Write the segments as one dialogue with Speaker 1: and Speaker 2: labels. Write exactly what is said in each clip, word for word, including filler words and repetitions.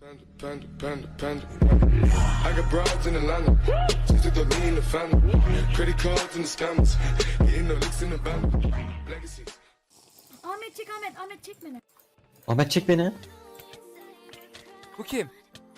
Speaker 1: Panda, panda, panda. I got broads in Atlanta. Just to throw me in the family. Credit cards and the scammers. Getting no licks in the band. Legacies.
Speaker 2: Ahmet çek Ahmet, Ahmet çek beni.
Speaker 3: Ahmet çek beni.
Speaker 4: Bu kim?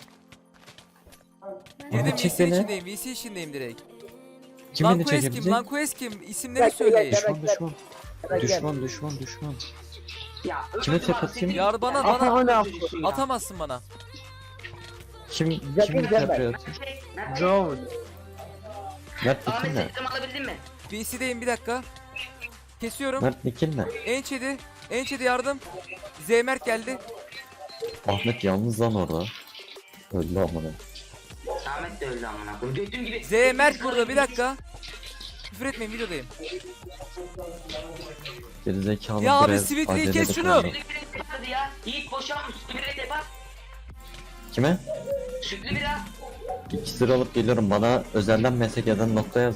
Speaker 2: Ben
Speaker 4: Girdim
Speaker 3: Ahmet çek
Speaker 4: V C
Speaker 3: beni.
Speaker 4: içindeyim, V C içindeyim direkt.
Speaker 3: Kim
Speaker 4: Lan
Speaker 3: beni
Speaker 4: Quest kim?
Speaker 3: çekebilecek?
Speaker 4: Lan Quest kim? İsimleri söyleyin.
Speaker 3: Düşman düşman. Düşman düşman düşman.
Speaker 5: Ya,
Speaker 3: Kime
Speaker 5: öbür
Speaker 3: tek
Speaker 5: var,
Speaker 3: atayım?
Speaker 5: sekiz-
Speaker 4: Ya bana
Speaker 5: Ya,
Speaker 4: bana
Speaker 5: öyle yapıyorsun ya.
Speaker 4: atamazsın bana.
Speaker 3: Kim
Speaker 5: Güzel
Speaker 3: kimin
Speaker 5: güzel
Speaker 3: tepe
Speaker 5: ben.
Speaker 3: atıyor?
Speaker 5: Mert,
Speaker 3: Joe. Mert
Speaker 5: Ahmet
Speaker 3: Nikil ne?
Speaker 5: seçtim alabildin mi?
Speaker 4: V C'deyim bir dakika. Kesiyorum.
Speaker 3: Mert Nikil ne?
Speaker 4: Ençedi. Ençedi yardım. Zeymerk geldi.
Speaker 3: Ahmet yalnız lan orada. Öldü amına.
Speaker 5: Ahmet de öldü amına koyayım. Gördüğün gibi.
Speaker 4: Zeymerk burada bir dakika. Küfür etmeyin videodayım.
Speaker 3: Gerizekalı
Speaker 4: Ya abi,
Speaker 3: biraz
Speaker 4: Sweet'liği
Speaker 3: acele
Speaker 4: kes
Speaker 3: de
Speaker 4: şunu.
Speaker 3: kullanıyor.
Speaker 5: Sütlü bir yapardı ya. Yiğit boşalmış. Sütlü bir yapar.
Speaker 3: Kime?
Speaker 5: Sütlü biraz.
Speaker 3: İki sıra alıp geliyorum. Bana özelden mesaj eden nokta yazdı.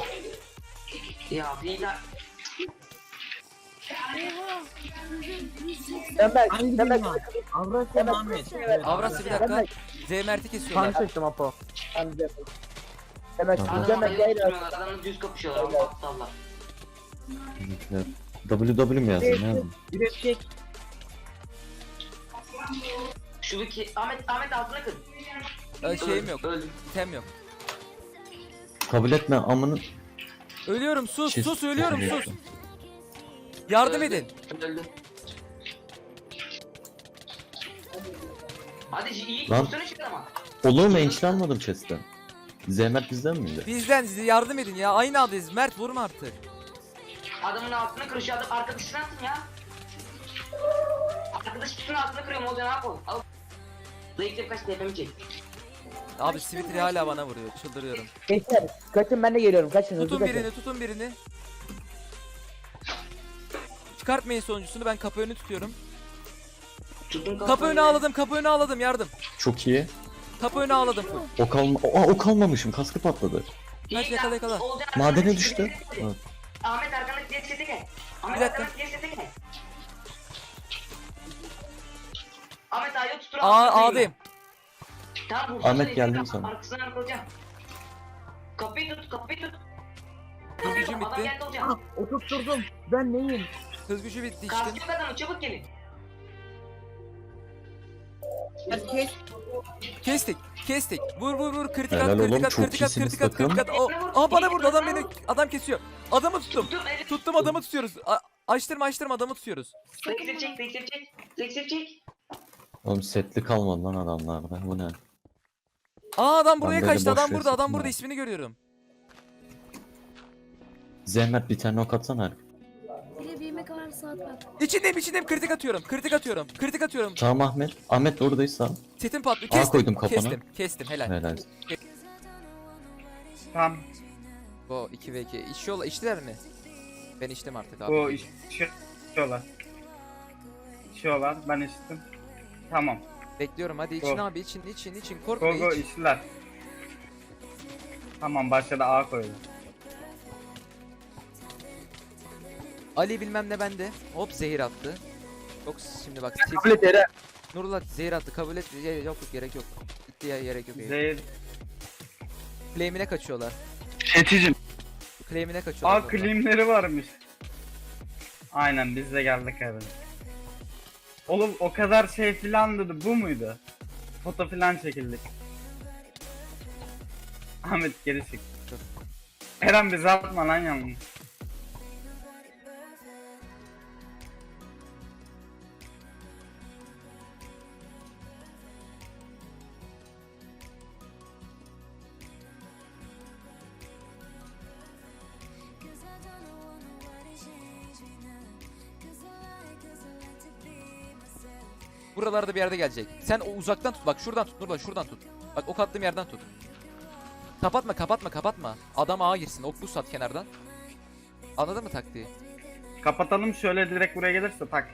Speaker 5: Ya bir daha.
Speaker 2: Oha.
Speaker 6: Hangi birim var? Avrasya Ahmet.
Speaker 4: Avrasya bir dakika. Zeymerk'i kesiyorlar.
Speaker 6: çektim Apo.
Speaker 3: Tamam.
Speaker 5: Adamı ayıp tutmuyorlar. Adamla düz kapışıyorlar. Ama aptallar.
Speaker 3: Bizimkiler. W W mi yazdın? Ne yazdın?
Speaker 6: Bir çek.
Speaker 5: Şu iki. Ahmet Ahmet altına kır.
Speaker 4: Ee, şeyim yok.
Speaker 5: Öldüm.
Speaker 4: Tem yok.
Speaker 3: Kabul etme amını.
Speaker 4: Ölüyorum sus
Speaker 3: Şey-
Speaker 4: sus ölüyorum
Speaker 3: Kabul
Speaker 4: sus.
Speaker 3: etme.
Speaker 4: Yardım edin.
Speaker 5: Öldüm. Hadi iyi.
Speaker 3: Lan.
Speaker 5: Vursana şu adama.
Speaker 3: Olur mu? Ençli almadım chest'ten. Zehmet bizden miydi?
Speaker 4: Bizden size yardım edin ya. Aynı adayız. Mert vurma artık.
Speaker 5: Adamın altına kır. Şu adam arkadaşına atın ya. Arkadaş şunun altına kırıyorum. O zaman ne yapalım? Al. Zayıflayıp kaç tepemi çek.
Speaker 4: Abi Sweetie hala bana vuruyor. Çıldırıyorum.
Speaker 6: Geçer. Kaçın ben de geliyorum. Kaçın hızlı
Speaker 4: Tutun
Speaker 6: kaçın.
Speaker 4: birini tutun birini. Çıkartmayın sonuncusunu, ben kapı önü tutuyorum.
Speaker 5: Tutun
Speaker 4: Kapı önü ağladım, kapı önü ağladım, yardım.
Speaker 3: Çok iyi.
Speaker 4: Kapı önü ağladım.
Speaker 3: O kalma. Aa, o kalmamışım. Kaskı patladı.
Speaker 4: Kaç yakala yakala.
Speaker 3: Madene düştü. Evet.
Speaker 5: Ahmet arkandaki diğer sete gel. Ahmet
Speaker 4: Bir dakika.
Speaker 5: arkandaki diğer sete gel. Ahmet ayağı tutur.
Speaker 4: Aa A'dayım.
Speaker 5: Tamam vursana.
Speaker 3: Ahmet,
Speaker 5: seni,
Speaker 3: geldim
Speaker 5: tamam,
Speaker 3: sana.
Speaker 5: Arkasından arkalayacağım. Kapıyı tut, kapıyı tut.
Speaker 4: Hız gücüm
Speaker 5: Adam
Speaker 4: bitti.
Speaker 5: geldi hocam.
Speaker 6: Oturtturdum. Ben neyim?
Speaker 4: Hız gücü bitti işte.
Speaker 5: Kaskı yok adamın, çabuk gelin.
Speaker 6: Herkes.
Speaker 4: Kestik. Kestik. Vur vur vur. Kritik at,
Speaker 3: Helal
Speaker 4: kritik
Speaker 3: oğlum,
Speaker 4: at,
Speaker 3: çok
Speaker 4: kritik at,
Speaker 3: iyisiniz
Speaker 4: kritik at,
Speaker 3: takım.
Speaker 4: kritik at. O, aa bana vurdu, adam beni, adam kesiyor. Adamı tuttum.
Speaker 5: Tuttum, eli.
Speaker 4: Tuttum, adamı tutuyoruz. A açtırma açtırma, adamı tutuyoruz.
Speaker 5: Zeksir çek, zeksir çek. Zeksir çek.
Speaker 3: Oğlum setli kalmadı lan adamlarda. Bu ne?
Speaker 4: Aa adam buraya
Speaker 3: böyle
Speaker 4: kaçtı,
Speaker 3: boş
Speaker 4: adam
Speaker 3: ver
Speaker 4: burada, adam
Speaker 3: satın
Speaker 4: burada,
Speaker 3: ya.
Speaker 4: ismini görüyorum.
Speaker 3: Zehmet bir tane ok atsana.
Speaker 2: Bir de bir yemek var saat var.
Speaker 4: İçindeyim, içindeyim, kritik atıyorum, kritik atıyorum, kritik atıyorum.
Speaker 3: Tamam Ahmet. Ahmet oradayız tamam.
Speaker 4: Setim patlıyor,
Speaker 3: Aa,
Speaker 4: kestim,
Speaker 3: koydum kafana.
Speaker 4: kestim, kestim, helal.
Speaker 3: Helal.
Speaker 7: Tam
Speaker 4: Bu iki ve iki. İçiyorlar, içtiler mi? Ben içtim artık abi.
Speaker 7: bu içiyorlar. İçiyorlar. Ben içtim. Tamam.
Speaker 4: Bekliyorum, hadi için
Speaker 7: Go.
Speaker 4: abi, için, için, için, korkma,
Speaker 7: Go go
Speaker 4: iç.
Speaker 7: içtiler. Tamam başladı A koydu.
Speaker 4: Ali bilmem ne bende. Hop zehir attı. Yok şimdi bak. Steve-
Speaker 6: Kabul et Eren.
Speaker 4: Nurullah zehir attı, kabul et. Ya, yok yok, gerek yok. Gitti ya, gerek yok.
Speaker 7: Zehir.
Speaker 4: Claim'ine kaçıyorlar.
Speaker 7: Seçicim.
Speaker 4: Claim'ine kaçıyorlar.
Speaker 7: A
Speaker 4: burada.
Speaker 7: klimleri varmış. Aynen biz de geldik abi. Oğlum o kadar şey filan dedi, bu muydu? Foto filan çekildik. Ahmet geri çık. Eren bizi atma lan yalnız.
Speaker 4: Buralarda bir yerde gelecek. Sen o uzaktan tut, bak şuradan tut Nurullah, şuradan tut. Bak ok attığım yerden tut. Kapatma, kapatma, kapatma. Adam ağa girsin, ok buz at kenardan. Anladın mı taktiği?
Speaker 7: Kapatalım şöyle direkt buraya gelirse tak.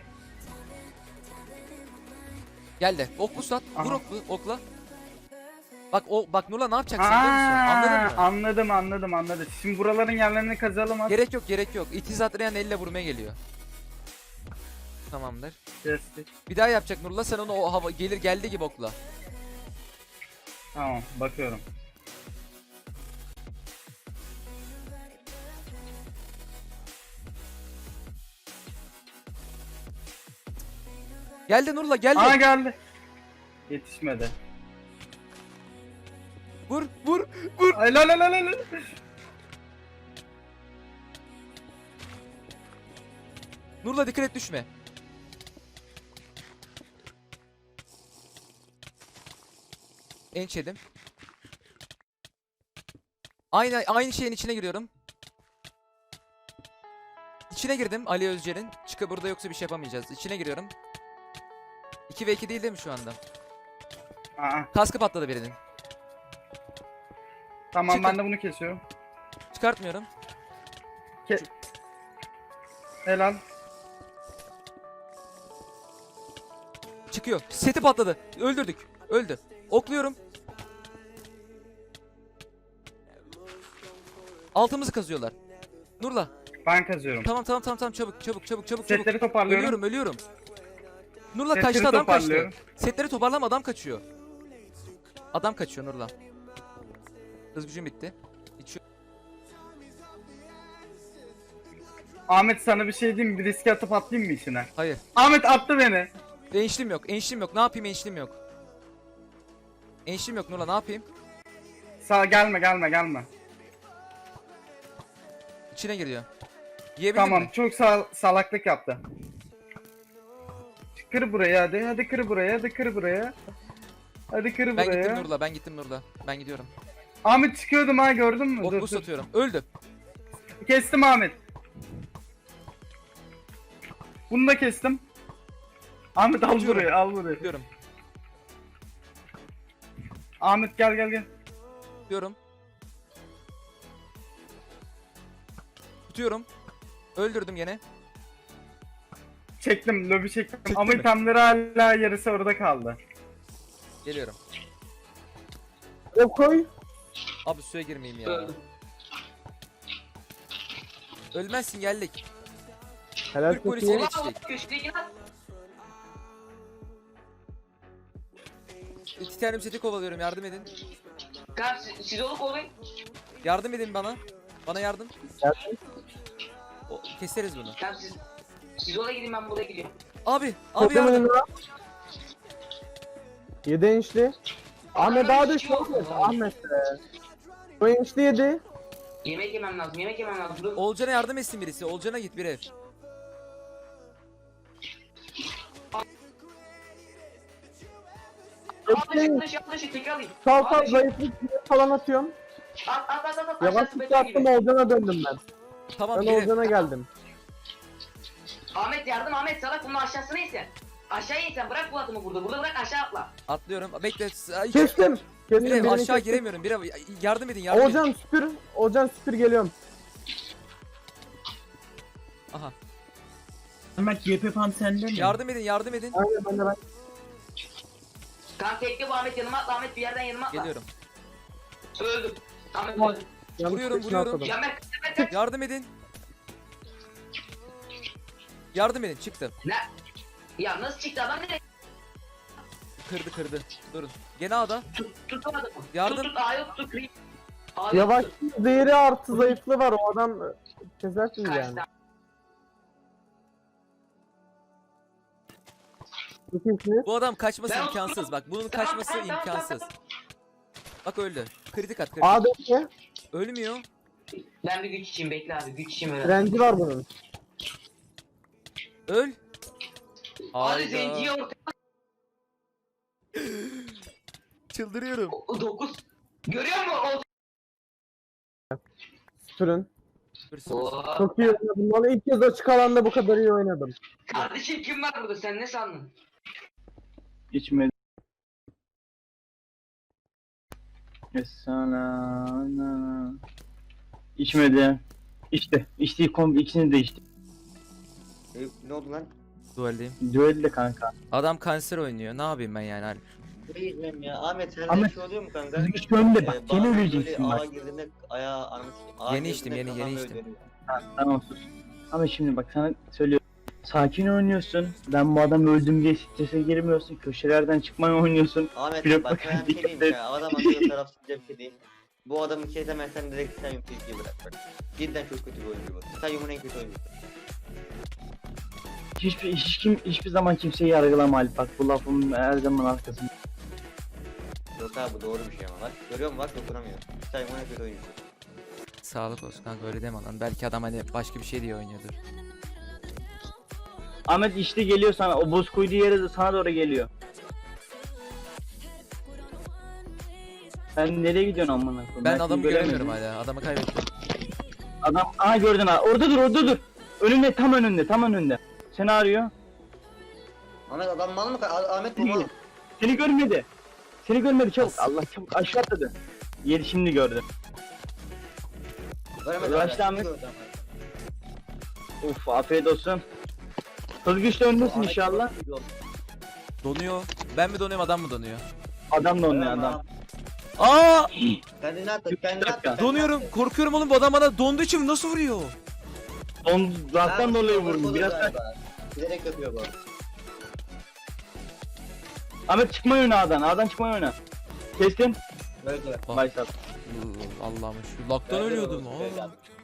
Speaker 4: Gel de ok buz at, vur
Speaker 7: Aha.
Speaker 4: oklu, okla. Bak o bak Nurullah ne yapacaksın biliyor musun? Anladın
Speaker 7: Aa,
Speaker 4: mı?
Speaker 7: anladım anladım anladım. Şimdi buraların yerlerini kazalım hadi.
Speaker 4: Gerek yok, gerek yok. İtiz atlayan elle vurmaya geliyor. Tamamdır.
Speaker 7: Kestik.
Speaker 4: Bir daha yapacak Nurullah, sen onu o hava gelir geldiği gibi okla.
Speaker 7: Tamam bakıyorum.
Speaker 4: Geldi Nurla geldi.
Speaker 7: Aa geldi. Yetişmedi.
Speaker 4: Vur vur vur.
Speaker 7: Ay la la la la la.
Speaker 4: Nurla dikkat et düşme. Enç yedim. Aynı aynı şeyin içine giriyorum. İçine girdim Ali Özcer'in. Çıkı burada yoksa bir şey yapamayacağız. İçine giriyorum. iki ve iki değil değil mi şu anda?
Speaker 7: Aa,
Speaker 4: Kaskı patladı birinin.
Speaker 7: tamam
Speaker 4: Çıkın.
Speaker 7: ben de bunu kesiyorum.
Speaker 4: Çıkartmıyorum.
Speaker 7: Helal.
Speaker 4: Çıkıyor. Seti patladı. Öldürdük. Öldü. Okluyorum. Altımızı kazıyorlar. Nurla.
Speaker 7: Ben kazıyorum.
Speaker 4: Tamam tamam tamam tamam çabuk çabuk çabuk çabuk çabuk.
Speaker 7: Setleri toparlıyorum.
Speaker 4: Ölüyorum ölüyorum. Nurla
Speaker 7: Setleri
Speaker 4: kaçtı adam kaçtı.
Speaker 7: toparlıyorum.
Speaker 4: Setleri toparlama adam kaçıyor. Adam kaçıyor Nurla. Hız gücüm bitti. İçiyor.
Speaker 7: Ahmet sana bir şey diyeyim mi? Bir riske atıp atlayayım mı içine?
Speaker 4: Hayır.
Speaker 7: Ahmet attı beni.
Speaker 4: Enişlim yok. Enişlim yok. Ne yapayım enişlim yok. Enişlim yok Nurla ne yapayım?
Speaker 7: Sağ gelme gelme gelme.
Speaker 4: İçine giriyor. Yiyebildin
Speaker 7: Tamam
Speaker 4: mi?
Speaker 7: çok sal salaklık yaptı. Kır buraya hadi hadi kır buraya hadi kır buraya. Hadi kır
Speaker 4: Ben
Speaker 7: buraya.
Speaker 4: gittim Nurla. Ben gittim Nurla. Ben gidiyorum.
Speaker 7: Ahmet çıkıyordum ha gördün mü?
Speaker 4: Ok
Speaker 7: Dur,
Speaker 4: boost
Speaker 7: dur.
Speaker 4: atıyorum. Öldü.
Speaker 7: Kestim Ahmet. Bunu da kestim. Ahmet al
Speaker 4: Atıyorum.
Speaker 7: buraya al buraya.
Speaker 4: Diyorum.
Speaker 7: Ahmet gel gel gel.
Speaker 4: Diyorum. Tutuyorum. Öldürdüm gene.
Speaker 7: Çektim lobi çektim
Speaker 4: Çektin
Speaker 7: ama
Speaker 4: mi?
Speaker 7: itemleri hala yarısı orada kaldı.
Speaker 4: Geliyorum.
Speaker 6: O koy.
Speaker 4: Abi suya girmeyeyim ya.
Speaker 5: Öldüm.
Speaker 4: Ölmezsin geldik.
Speaker 6: Helal
Speaker 4: Türk polisine yetiştik.
Speaker 5: Köşedeki lan.
Speaker 4: Titanium seti kovalıyorum yardım edin.
Speaker 5: Kanka siz, siz olup olayım.
Speaker 4: Yardım edin bana. Bana yardım.
Speaker 6: Geldim.
Speaker 4: O, keseriz bunu.
Speaker 5: Kanka siz, siz oraya gidin ben buraya gidiyorum.
Speaker 4: Abi, abi yardım.
Speaker 6: Toplamın yedi inçli. Ahmet daha da çok et. Ahmet be. O inçli yedi.
Speaker 5: Yemek yemem lazım yemek yemem lazım. Dur.
Speaker 4: Olcan'a yardım etsin birisi. Olcan'a git bir ev.
Speaker 5: Yanlış yanlış tekrar alayım.
Speaker 6: Sal sal
Speaker 5: Abi,
Speaker 6: zayıflık falan atıyorum.
Speaker 5: At at at at at.
Speaker 6: Yavaş
Speaker 5: Aşağısı
Speaker 6: bir
Speaker 5: beton
Speaker 6: attım
Speaker 5: gibi.
Speaker 6: Olcan'a döndüm ben.
Speaker 4: Tamam
Speaker 6: Ben
Speaker 4: bir ev.
Speaker 6: Olcan'a geldim.
Speaker 5: Ahmet yardım Ahmet salak bunun aşağısına insen. Aşağıya insen bırak bu atımı burada. Burada bırak aşağı atla.
Speaker 4: Atlıyorum. Bekle. Ay,
Speaker 6: Kestim.
Speaker 4: Bir
Speaker 6: Kestim
Speaker 4: ev
Speaker 6: birini
Speaker 4: aşağı
Speaker 6: kestim.
Speaker 4: giremiyorum. Bir ev. Yardım edin yardım edin.
Speaker 6: Olcan süpür. Olcan süpür geliyorum.
Speaker 4: Aha.
Speaker 6: Ahmet Y P Pam sende mi?
Speaker 4: Yardım edin yardım edin.
Speaker 6: Aynen ben de ben.
Speaker 5: Kanka tekli bu Ahmet yanıma atla Ahmet bir yerden yanıma atla.
Speaker 4: Geliyorum.
Speaker 5: Öldüm. Ahmet
Speaker 6: Tamam.
Speaker 5: öldüm.
Speaker 6: Yanlış
Speaker 4: Vuruyorum,
Speaker 6: seçim
Speaker 4: vuruyorum.
Speaker 6: atladım.
Speaker 5: Ya Mert Mert Mert.
Speaker 4: Yardım edin. Yardım edin çıktı.
Speaker 5: Ne? Ya nasıl çıktı adam nereye?
Speaker 4: Kırdı kırdı. Durun. Gene A'da.
Speaker 5: Tut tutamadım.
Speaker 4: Yardım.
Speaker 5: Tut tut A'yı tut kırayım. A'yı
Speaker 6: Yavaş
Speaker 5: tut.
Speaker 6: zehri artı zayıflığı var o adam kesersiniz
Speaker 5: Kaç
Speaker 6: yani.
Speaker 5: tane?
Speaker 6: Çok iyisiniz.
Speaker 4: Bu adam kaçması
Speaker 5: Ben
Speaker 4: imkansız.
Speaker 5: oturdum.
Speaker 4: Bak bunun
Speaker 5: Tamam,
Speaker 4: kaçması
Speaker 5: tamam, tamam,
Speaker 4: imkansız.
Speaker 5: tamam.
Speaker 4: Bak öldü. Kritik at kritik.
Speaker 6: A'daki
Speaker 4: Ölmüyor.
Speaker 5: Ben bir güç için bekle abi güç için öyle.
Speaker 6: renci var bunun.
Speaker 4: Öl.
Speaker 5: Abi zenciye
Speaker 4: Hayda.
Speaker 5: orta
Speaker 4: Çıldırıyorum.
Speaker 5: dokuz. Görüyor musun?
Speaker 6: Süpürün.
Speaker 4: Süpürsün.
Speaker 5: O...
Speaker 6: Çok iyi oynadım. Vallahi ilk kez açık alanda bu kadar iyi oynadım.
Speaker 5: Kardeşim kim var burada sen ne sandın?
Speaker 8: İçmedi. Esana. İçmedi. İşte. İçtiği kombi ikisini de içti.
Speaker 9: Ne oldu lan?
Speaker 4: Dualdeyim.
Speaker 8: Düello kanka.
Speaker 4: Adam kanser oynuyor. Ne yapayım ben yani Alp?
Speaker 9: Bilmiyorum ya. Ahmet her
Speaker 8: Ahmet,
Speaker 9: şey oluyor mu kanka?
Speaker 8: Hiç önde bak.
Speaker 9: Ee,
Speaker 8: Yeni
Speaker 9: bazen
Speaker 8: öleceksin
Speaker 9: böyle
Speaker 8: bak.
Speaker 9: ağa girdiğinde ayağı anasını. Ağa
Speaker 4: Yeni içtim,
Speaker 9: girdiğinde
Speaker 4: yeni- yeni
Speaker 9: kafam
Speaker 4: içtim.
Speaker 9: böyle dönüyor.
Speaker 8: Ha, tamam sus. Ama şimdi bak sana söylüyorum. Sakin oynuyorsun. Ben bu adam öldüm diye strese girmiyorsun. Köşelerden çıkmayı oynuyorsun.
Speaker 9: Ahmet
Speaker 8: Pilot
Speaker 9: bak ben bir şey diyeyim
Speaker 8: dikkat et.
Speaker 9: ya. Adam atıyor tarafsızca bir şey değil. Bu adamı kesemezsen direkt Titanium tilkiyi bırak bak. Cidden çok kötü bir oyuncu bu. Titanium'un en kötü oyuncusu.
Speaker 8: Hiçbir, hiç kim, hiçbir zaman kimseyi yargılama Alp. Bak bu lafımın her zaman arkasında.
Speaker 9: Yok abi bu doğru bir şey ama bak. Görüyor musun bak dokunamıyor. Titanium'un en kötü oyuncusu.
Speaker 4: Sağlık olsun kanka, öyle deme lan. Belki adam hani başka bir şey diye oynuyordur.
Speaker 8: Ahmet işte geliyor sana. O buz koyduğu yere de sana doğru geliyor. Sen nereye gidiyorsun amına koyayım?
Speaker 4: Ben
Speaker 8: seni
Speaker 4: adamı
Speaker 8: göremedim.
Speaker 4: göremiyorum hala. Adamı kaybettim.
Speaker 8: Adam aha gördün ha. Orada dur, orada dur. Önünde, tam önünde, tam önünde. Seni arıyor.
Speaker 9: Ahmet adam mal mı? Ah- Ahmet bu mal.
Speaker 8: Seni görmedi. Seni görmedi çabuk.
Speaker 4: Nasıl?
Speaker 8: Allah çabuk aşağı atladı. Yeri şimdi gördü.
Speaker 9: Veremedi
Speaker 8: Uğraştı
Speaker 9: Ahmet.
Speaker 8: Ahmet. Uf afiyet olsun. Hız güçlü öndesin inşallah.
Speaker 4: Donuyor. Ben mi donuyorum, adam mı donuyor?
Speaker 8: Adam da onunla adam.
Speaker 4: Aa!
Speaker 9: Kendini attı, kendini
Speaker 8: dakika.
Speaker 9: attı. kendini
Speaker 4: Donuyorum.
Speaker 9: attı.
Speaker 4: Korkuyorum oğlum, bu adam bana donduğu için nasıl vuruyor?
Speaker 8: Don laftan
Speaker 9: Ha,
Speaker 8: dolayı
Speaker 9: bu
Speaker 8: vurdum.
Speaker 9: olur
Speaker 8: Biraz
Speaker 9: galiba. Bilerek yapıyor bu.
Speaker 8: Ahmet çıkmayı oyna A'dan. A'dan çıkmayı oyna. Kestin.
Speaker 9: Böyle.
Speaker 4: Ah.
Speaker 8: Başlat.
Speaker 4: Allah'ım, şu laktan
Speaker 9: Böyle
Speaker 4: ölüyordum.
Speaker 9: olur, böyle.
Speaker 4: Aa.